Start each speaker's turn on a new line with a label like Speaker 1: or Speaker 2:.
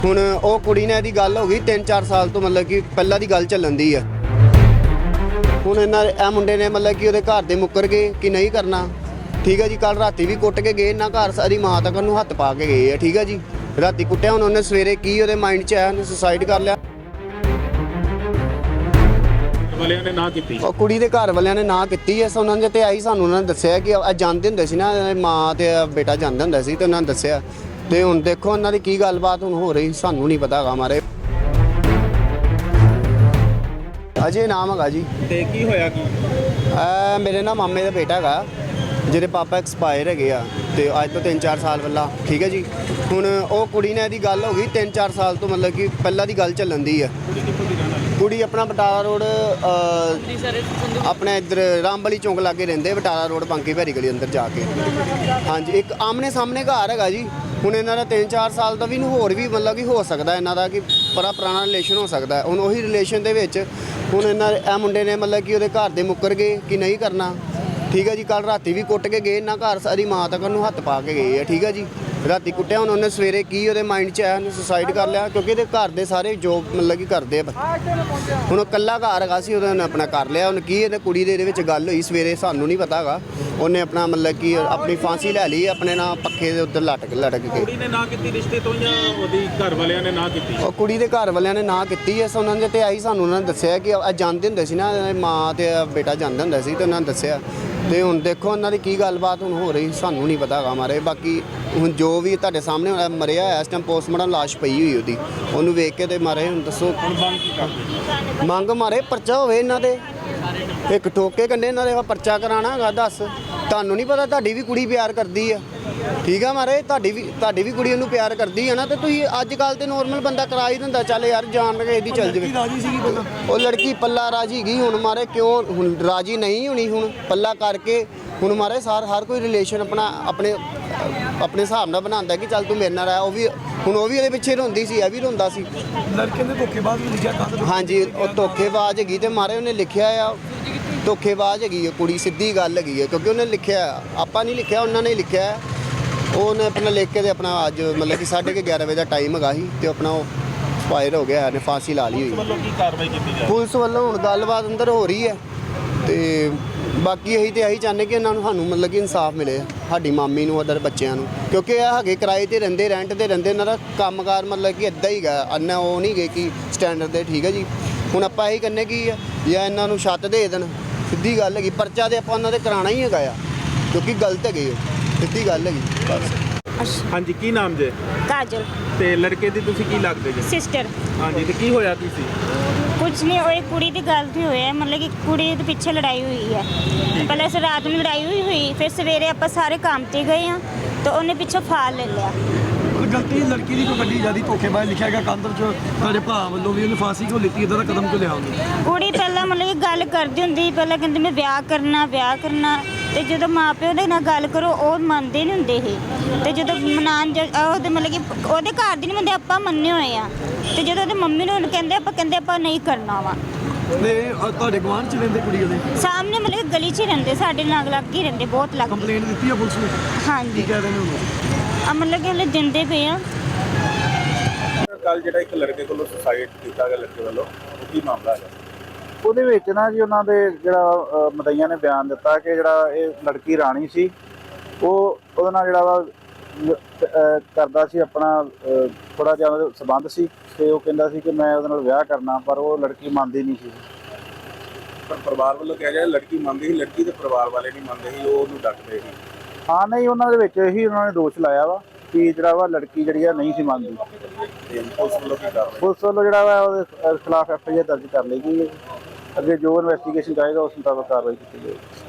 Speaker 1: ਹੁਣ ਉਹ ਕੁੜੀ ਨਾਲ ਇਹਦੀ ਗੱਲ ਹੋ ਗਈ 3-4 ਸਾਲ ਤੋਂ, ਮਤਲਬ ਕਿ ਪਹਿਲਾਂ ਦੀ ਗੱਲ ਚੱਲਣ ਦੀ ਆ। ਹੁਣ ਇਹਨਾਂ ਇਹ ਮੁੰਡੇ ਨੇ ਮਤਲਬ ਕਿ ਉਹਦੇ ਘਰ ਦੇ ਮੁੱਕਰ ਗਏ ਕਿ ਨਹੀਂ ਕਰਨਾ। ਠੀਕ ਹੈ ਜੀ, ਕੱਲ ਰਾਤੀ ਵੀ ਕੁੱਟ ਕੇ ਗਏ ਇਹਨਾਂ ਘਰ, ਸਾਰੀ ਮਾਂ ਤੱਕ ਨੂੰ ਹੱਥ ਪਾ ਕੇ ਗਏ ਆ। ਠੀਕ ਹੈ ਜੀ, ਰਾਤੀ ਕੁੱਟਿਆ, ਹੁਣ ਉਹਨੇ ਸਵੇਰੇ ਕੀ ਉਹਦੇ ਮਾਈਂਡ 'ਚ ਆਇਆ, ਉਹਨੇ ਸੁਸਾਈਡ ਕਰ ਲਿਆ।
Speaker 2: ਵਾਲਿਆਂ ਨੇ ਨਾ ਕੀਤੀ,
Speaker 1: ਉਹ ਕੁੜੀ ਦੇ ਘਰ ਵਾਲਿਆਂ ਨੇ ਨਾ ਕੀਤੀ ਐ। ਉਹਨਾਂ ਨੇ ਤੇ ਆਈ ਸਾਨੂੰ ਉਹਨਾਂ ਨੇ ਦੱਸਿਆ ਕਿ ਇਹ ਜਾਂਦੇ ਹੁੰਦੇ ਸੀ ਨਾ, ਮਾਂ ਤੇ ਬੇਟਾ ਜਾਂਦੇ ਹੁੰਦੇ ਸੀ ਤੇ ਉਹਨਾਂ ਨੇ ਦੱਸਿਆ। ਤੇ ਹੁਣ ਦੇਖੋ ਉਹਨਾਂ ਦੀ ਕੀ ਗੱਲਬਾਤ ਹੁਣ ਹੋ ਰਹੀ, ਸਾਨੂੰ ਨਹੀਂ ਪਤਾ ਹੈਗਾ। ਮਾਰੇ ਅਜੇ ਨਾਮ ਹੈਗਾ ਜੀ।
Speaker 2: ਤੇ ਕੀ ਹੋਇਆ ਕੀ?
Speaker 1: ਮੇਰੇ ਨਾ ਮਾਮੇ ਦਾ ਬੇਟਾ ਹੈਗਾ, ਜਿਹਦੇ ਪਾਪਾ ਐਕਸਪਾਇਰ ਹੈਗੇ ਆ, ਤੇ ਅੱਜ ਤੋਂ 3-4 ਸਾਲ ਪਹਿਲਾਂ। ਠੀਕ ਹੈ ਜੀ, ਹੁਣ ਉਹ ਕੁੜੀ ਨਾਲ ਇਹਦੀ ਗੱਲ ਹੋ ਗਈ 3-4 ਸਾਲ ਤੋਂ, ਮਤਲਬ ਕਿ ਪਹਿਲਾਂ ਦੀ ਗੱਲ ਚੱਲਣ ਦੀ ਆ। ਕੁੜੀ ਆਪਣਾ ਬਟਾਲਾ ਰੋਡ, ਆਪਣੇ ਇੱਧਰ ਰਾਮਬਲੀ ਚੌਂਕ ਲਾਗੇ ਰਹਿੰਦੇ, ਬਟਾਲਾ ਰੋਡ ਬਾਂਕੀ ਭੈਰੀ ਗਲੀ ਅੰਦਰ ਜਾ ਕੇ। ਹਾਂਜੀ, ਇੱਕ ਆਮਨੇ ਸਾਹਮਣੇ ਘਰ ਹੈਗਾ ਜੀ। ਹੁਣ ਇਹਨਾਂ ਦਾ 3-4 ਸਾਲ ਦਾ ਵੀ ਨੂੰ ਹੋਰ ਵੀ ਮਤਲਬ ਕਿ ਹੋ ਸਕਦਾ ਇਹਨਾਂ ਦਾ, ਕਿ ਬੜਾ ਪੁਰਾਣਾ ਰਿਲੇਸ਼ਨ ਹੋ ਸਕਦਾ। ਹੁਣ ਉਹੀ ਰਿਲੇਸ਼ਨ ਦੇ ਵਿੱਚ ਹੁਣ ਇਹ ਮੁੰਡੇ ਨੇ ਮਤਲਬ ਕਿ ਉਹਦੇ ਘਰ ਦੇ ਮੁੱਕਰ ਗਏ ਕਿ ਨਹੀਂ ਕਰਨਾ। ਠੀਕ ਹੈ ਜੀ, ਕੱਲ ਰਾਤੀ ਵੀ ਕੁੱਟ ਕੇ ਗਏ ਇਹਨਾਂ ਘਰ, ਸਾਰੀ ਮਾਂ ਤੱਕ ਨੂੰ ਹੱਥ ਪਾ ਕੇ ਗਏ ਆ। ਠੀਕ ਹੈ ਜੀ, ਰਾਤੀ ਕੁੱਟਿਆ, ਹੁਣ ਉਹਨੇ ਸਵੇਰੇ ਕੀ ਉਹਦੇ ਮਾਈਂਡ 'ਚ ਆਇਆ, ਉਹਨੇ ਸੁਸਾਈਡ ਕਰ ਲਿਆ। ਕਿਉਂਕਿ ਇਹਦੇ ਘਰ ਦੇ ਸਾਰੇ ਜੋਬ ਮਤਲਬ ਕਿ ਕਰਦੇ ਆ। ਹੁਣ ਉਹ ਇਕੱਲਾ ਘਰ ਹੈਗਾ ਸੀ, ਉਹਨੇ ਆਪਣਾ ਕਰ ਲਿਆ। ਹੁਣ ਕੀ ਇਹਦੇ ਕੁੜੀ ਦੇ ਇਹਦੇ ਵਿੱਚ ਗੱਲ ਹੋਈ ਸਵੇਰੇ, ਸਾਨੂੰ ਨਹੀਂ ਪਤਾ ਹੈਗਾ। ਉਹਨੇ ਆਪਣਾ ਮਤਲਬ ਕਿ ਆਪਣੀ ਫਾਂਸੀ ਲੈ ਲਈ ਆਪਣੇ ਨਾਲ ਪੱਖੇ ਦੇ ਉੱਤੇ ਲਟਕ ਕੇ।
Speaker 2: ਕੁੜੀ ਨੇ ਨਾ ਕੀਤੀ ਰਿਸ਼ਤੇ ਤੋਂ, ਜਾਂ ਉਹਦੀ ਘਰ ਵਾਲਿਆਂ ਨੇ ਨਾ ਕੀਤੀ?
Speaker 1: ਉਹ ਕੁੜੀ ਦੇ ਘਰ ਵਾਲਿਆਂ ਨੇ ਨਾ ਕੀਤੀ ਐ। ਉਹਨਾਂ ਨੇ ਤੇ ਆਈ ਸਾਨੂੰ ਉਹਨਾਂ ਨੇ ਦੱਸਿਆ ਕਿ ਇਹ ਜਾਂਦੇ ਹੁੰਦੇ ਸੀ ਨਾ, ਮਾਂ ਤੇ ਬੇਟਾ ਜਾਂਦੇ ਹੁੰਦੇ ਸੀ ਤੇ ਉਹਨਾਂ ਨੇ ਦੱਸਿਆ। ਤੇ ਹੁਣ ਦੇਖੋ ਉਹਨਾਂ ਦੀ ਕੀ ਗੱਲਬਾਤ ਹੁਣ ਹੋ ਰਹੀ, ਸਾਨੂੰ ਨਹੀਂ ਪਤਾ ਹੈਗਾ। ਮਾਰੇ ਬਾਕੀ ਹੁਣ ਜੋ ਵੀ ਤੁਹਾਡੇ ਸਾਹਮਣੇ ਹੋਇਆ, ਮਰਿਆ ਇਸ ਟਾਈਮ ਪੋਸਟਮਾਰਟਮ ਲਾਸ਼ ਪਈ ਹੋਈ ਉਹਦੀ, ਉਹਨੂੰ ਵੇਖ ਕੇ ਤੇ ਮਾਰੇ। ਹੁਣ ਦੱਸੋ
Speaker 2: ਹੁਣ ਮੰਗ ਕੀ ਕਰਦੇ?
Speaker 1: ਮੰਗ ਮਾਰੇ ਪਰਚਾ ਹੋਵੇ ਇਹਨਾਂ ਦੇ, ਇੱਕ ਠੋਕੇ ਕੰਡੇ ਇਹਨਾਂ ਦੇ ਪਰਚਾ ਕਰਾਣਾ ਹੈਗਾ। ਦੱਸ, ਤੁਹਾਨੂੰ ਨਹੀਂ ਪਤਾ ਤੁਹਾਡੀ ਵੀ ਕੁੜੀ ਪਿਆਰ ਕਰਦੀ ਆ? ਠੀਕ ਆ ਮਾਰੇ, ਤੁਹਾਡੀ ਵੀ ਕੁੜੀ ਉਹਨੂੰ ਪਿਆਰ ਕਰਦੀ ਹੈ ਨਾ। ਤੇ ਤੁਸੀਂ ਅੱਜ ਕੱਲ੍ਹ ਤੇ ਨੋਰਮਲ ਬੰਦਾ ਕਰਾ ਹੀ ਦਿੰਦਾ, ਚੱਲ ਯਾਰ ਜਾਣ ਕੇ ਇਹਦੀ ਚੱਲ ਜਾਵੇ। ਉਹ ਲੜਕੀ ਪੱਲਾ ਰਾਜੀ ਗਈ, ਹੁਣ ਮਾਰੇ ਕਿਉਂ ਹੁਣ ਰਾਜੀ ਨਹੀਂ ਹੋਣੀ? ਹੁਣ ਪੱਲਾ ਕਰਕੇ ਹੁਣ ਮਾਰੇ ਹਰ ਕੋਈ ਰਿਲੇਸ਼ਨ ਆਪਣੇ ਹਿਸਾਬ ਨਾਲ ਬਣਾਉਂਦਾ ਕਿ ਚੱਲ ਤੂੰ ਮੇਰੇ ਨਾਲ ਆ। ਉਹ ਵੀ ਇਹਦੇ ਪਿੱਛੇ ਰੋਂਦੀ ਸੀ, ਇਹ ਵੀ ਰੋਂਦਾ ਸੀ।
Speaker 3: ਲੜਕੇ ਨੇ ਧੋਖੇਬਾਜ਼ ਵੀ ਲਿਖਿਆ ਕੰਧ।
Speaker 1: ਹਾਂਜੀ, ਉਹ ਧੋਖੇਬਾਜ਼ ਹੈਗੀ ਤੇ ਮਾਰੇ ਉਹਨੇ ਲਿਖਿਆ ਆ, ਧੋਖੇਬਾਜ਼ ਹੈਗੀ ਹੈ ਕੁੜੀ, ਸਿੱਧੀ ਗੱਲ ਹੈਗੀ ਹੈ। ਕਿਉਂਕਿ ਉਹਨੇ ਲਿਖਿਆ, ਆਪਾਂ ਨਹੀਂ ਲਿਖਿਆ, ਉਹਨਾਂ ਨੇ ਲਿਖਿਆ। ਉਹਨੇ ਆਪਣਾ ਲਿਖ ਕੇ ਤੇ ਆਪਣਾ ਅੱਜ ਮਤਲਬ ਕਿ 11:30 ਵਜੇ ਦਾ ਟਾਈਮ ਹੈਗਾ ਸੀ, ਤੇ ਆਪਣਾ ਉਹ ਫਾਇਰ ਹੋ ਗਿਆ, ਨੇ ਫਾਂਸੀ ਲਾ ਲਈ ਹੋਈ।
Speaker 2: ਵੱਲੋਂ ਕੀ ਕਾਰਵਾਈ ਕੀਤੀ ਜਾ?
Speaker 1: ਪੁਲਿਸ ਵੱਲੋਂ ਹੁਣ ਗੱਲਬਾਤ ਅੰਦਰ ਹੋ ਰਹੀ ਹੈ, ਤੇ ਬਾਕੀ ਇਹੀ ਚਾਹੁੰਦੇ ਕਿ ਇਹਨਾਂ ਨੂੰ ਸਾਨੂੰ ਮਤਲਬ ਕਿ ਇਨਸਾਫ ਮਿਲੇ, ਸਾਡੀ ਮਾਮੀ ਨੂੰ, ਅਦਰ ਬੱਚਿਆਂ ਨੂੰ। ਕਿਉਂਕਿ ਇਹ ਹੈਗੇ ਕਿਰਾਏ ਤੇ ਰਹਿੰਦੇ, ਰੈਂਟ ਤੇ ਰਹਿੰਦੇ, ਇਹਨਾਂ ਦਾ ਕੰਮਕਾਰ ਮਤਲਬ ਕਿ ਇੱਦਾਂ ਹੀ ਗਾ, ਅੰਨਾ ਉਹ ਨਹੀਂ ਗਏ ਕਿ ਸਟੈਂਡਰਡ ਦੇ। ਠੀਕ ਹੈ ਜੀ, ਹੁਣ ਆਪਾਂ ਇਹੀ ਕਹਿੰਦੇ ਕਿ ਜਾਂ ਇਹਨਾਂ ਨੂੰ ਛੱਤ ਦੇ ਦੇਣ, ਸਿੱਧੀ ਗੱਲ ਹੈਗੀ। ਪਰਚਾ ਤੇ ਆਪਾਂ ਉਹਨਾਂ ਦੇ ਕਰਾਉਣਾ ਹੀ ਹੈਗਾ ਆ, ਕਿਉਂਕਿ ਗਲਤ ਹੈਗੇ ਉਹ, ਸਿੱਧੀ ਗੱਲ ਹੈਗੀ ਬਸ।
Speaker 2: ਹਾਂਜੀ, ਕੀ ਨਾਮ ਜੇ?
Speaker 4: ਕਾਜਲ।
Speaker 2: ਤੇ ਲੜਕੇ ਦੀ ਤੁਸੀਂ ਕੀ ਲੱਗਦੇ ਜੀ?
Speaker 4: ਸਿਸਟਰ।
Speaker 2: ਹਾਂਜੀ, ਤੇ ਕੀ ਹੋਇਆ ਕੀ ਸੀ?
Speaker 4: ਕੁਝ ਨਹੀਂ, ਉਹ ਕੁੜੀ ਦੀ ਗਲਤੀ ਹੋਇਆ, ਮਤਲਬ ਕਿ ਕੁੜੀ ਦੇ ਪਿੱਛੇ ਲੜਾਈ ਹੋਈ ਹੈ। ਪਹਿਲਾਂ ਇਸ ਰਾਤ ਨੂੰ ਲੜਾਈ ਹੋਈ, ਫਿਰ ਸਵੇਰੇ ਆਪਾਂ ਸਾਰੇ ਕੰਮ ਤੇ ਗਏ ਆ, ਤਾਂ ਉਹਨੇ ਪਿੱਛੋਂ ਫਾਲ ਲੈ ਲਿਆ।
Speaker 3: ਗਲਤੀ ਲੜਕੀ ਦੀ ਕੋਈ ਵੱਡੀ ਜ਼ਿਆਦਾ ਧੋਖੇਬਾਜ਼ ਲਿਖਿਆ ਗਿਆ ਕੰਧ 'ਚ, ਤੁਹਾਡੇ ਭਰਾ ਵੱਲੋਂ ਵੀ ਉਹਨੇ ਫਾਂਸੀ ਕਿਉਂ ਲਿੱਤੀ, ਇੱਦਾਂ ਦਾ ਕਦਮ ਕਿਉਂ ਲਿਆ ਉਹਨੇ?
Speaker 4: ਕੁੜੀ ਪਹਿਲਾਂ ਮਤਲਬ ਕਿ ਗੱਲ ਕਰਦੀ ਹੁੰਦੀ, ਪਹਿਲਾਂ ਕਹਿੰਦੀ ਮੈਂ ਵਿਆਹ ਕਰਨਾ, ਤੇ ਜਦੋਂ ਮਾਪਿਓ ਦੇ ਨਾਲ ਗੱਲ ਕਰੋ ਉਹ ਮੰਨਦੇ ਨਹੀਂ ਹੁੰਦੇ ਇਹ। ਤੇ ਜਦੋਂ ਉਹਦੇ ਮਤਲਬ ਕਿ ਉਹਦੇ ਘਰ ਦੀ ਨਹੀਂ ਮੰਨਦੇ, ਆਪਾਂ ਮੰਨੇ ਹੋਏ ਆ। ਤੇ ਜਦੋਂ ਉਹਦੇ ਮੰਮੀ ਨੂੰ ਕਹਿੰਦੇ ਆਪਾਂ ਨਹੀਂ ਕਰਨਾ ਵਾ।
Speaker 3: ਨੇ ਤੁਹਾਡੇ ਗੁਆਂਢ 'ਚ ਰਹਿੰਦੇ ਕੁੜੀ ਉਹਦੇ
Speaker 4: ਸਾਹਮਣੇ ਮਤਲਬ ਕਿ ਗਲੀ 'ਚ ਹੀ ਰਹਿੰਦੇ, ਸਾਡੇ ਨਾਲ ਲੱਗ ਹੀ ਰਹਿੰਦੇ, ਬਹੁਤ ਲੱਗ।
Speaker 3: ਕੰਪਲੇਂਟ ਦਿੱਤੀ ਆ ਪੁਲਿਸ ਨੂੰ?
Speaker 4: ਹਾਂਜੀ,
Speaker 3: ਕੀ ਕਹਿ ਰਹੇ ਨੇ ਉਹਨੂੰ?
Speaker 4: ਮਤਲਬ ਕਿ ਹਲੇ ਦਿੰਦੇ ਪਏ ਆ।
Speaker 2: ਕੱਲ ਜਿਹੜਾ ਇੱਕ ਲੜਕੇ ਕੋਲੋਂ ਸੁਸਾਈਡ ਕੀਤਾ ਗਿਆ ਲੜਕੇ ਵੱਲੋਂ, ਉਹ ਕੀ ਮਾਮਲਾ ਹੈ?
Speaker 5: ਉਹਦੇ ਵਿੱਚ ਨਾ ਜੀ ਉਹਨਾਂ ਦੇ ਜਿਹੜਾ ਮਦਈਆਂ ਨੇ ਬਿਆਨ ਦਿੱਤਾ ਕਿ ਜਿਹੜਾ ਇਹ ਲੜਕੀ ਰਾਣੀ ਸੀ, ਉਹ ਉਹਦੇ ਨਾਲ ਜਿਹੜਾ ਵਾ ਕਰਦਾ ਸੀ ਆਪਣਾ ਥੋੜਾ ਜਿਹਾ ਉਹਦਾ ਸੰਬੰਧ ਸੀ, ਤੇ ਉਹ ਕਹਿੰਦਾ ਸੀ ਕਿ ਮੈਂ ਉਹਦੇ ਨਾਲ ਵਿਆਹ ਕਰਨਾ, ਪਰ ਉਹ ਲੜਕੀ ਮੰਨਦੀ ਨਹੀਂ ਸੀ।
Speaker 2: ਪਰ ਪਰਿਵਾਰ ਵੱਲੋਂ ਕਿਹਾ ਗਿਆ ਲੜਕੀ ਮੰਨਦੀ ਸੀ, ਲੜਕੀ ਦੇ ਪਰਿਵਾਰ ਵਾਲੇ ਨਹੀਂ ਮੰਨਦੇ ਸੀ, ਉਹ ਉਹਨੂੰ ਡੱਕਦੇ ਸੀ।
Speaker 5: ਹਾਂ, ਨਹੀਂ, ਉਹਨਾਂ ਦੇ ਵਿੱਚ ਇਹੀ ਉਹਨਾਂ ਨੇ ਦੋਸ਼ ਲਾਇਆ ਵਾ ਕਿ ਜਿਹੜਾ ਵਾ ਲੜਕੀ ਜਿਹੜੀ ਆ ਨਹੀਂ ਸੀ ਮੰਨਦੀ।
Speaker 2: ਪੁਲਿਸ ਵੱਲੋਂ ਕੀ ਕਾਰਵਾਈ?
Speaker 5: ਪੁਲਿਸ ਵੱਲੋਂ ਜਿਹੜਾ ਵਾ ਉਹਦੇ ਖਿਲਾਫ FIR ਦਰਜ ਕਰ ਲਈ ਗਈ ਹੈ। ਅੱਗੇ ਜੋ ਇਨਵੈਸਟੀਗੇਸ਼ਨ ਚਾਹੀਦਾ ਉਸ ਮੁਤਾਬਕ ਕਾਰਵਾਈ ਕੀਤੀ ਜਾਏਗੀ।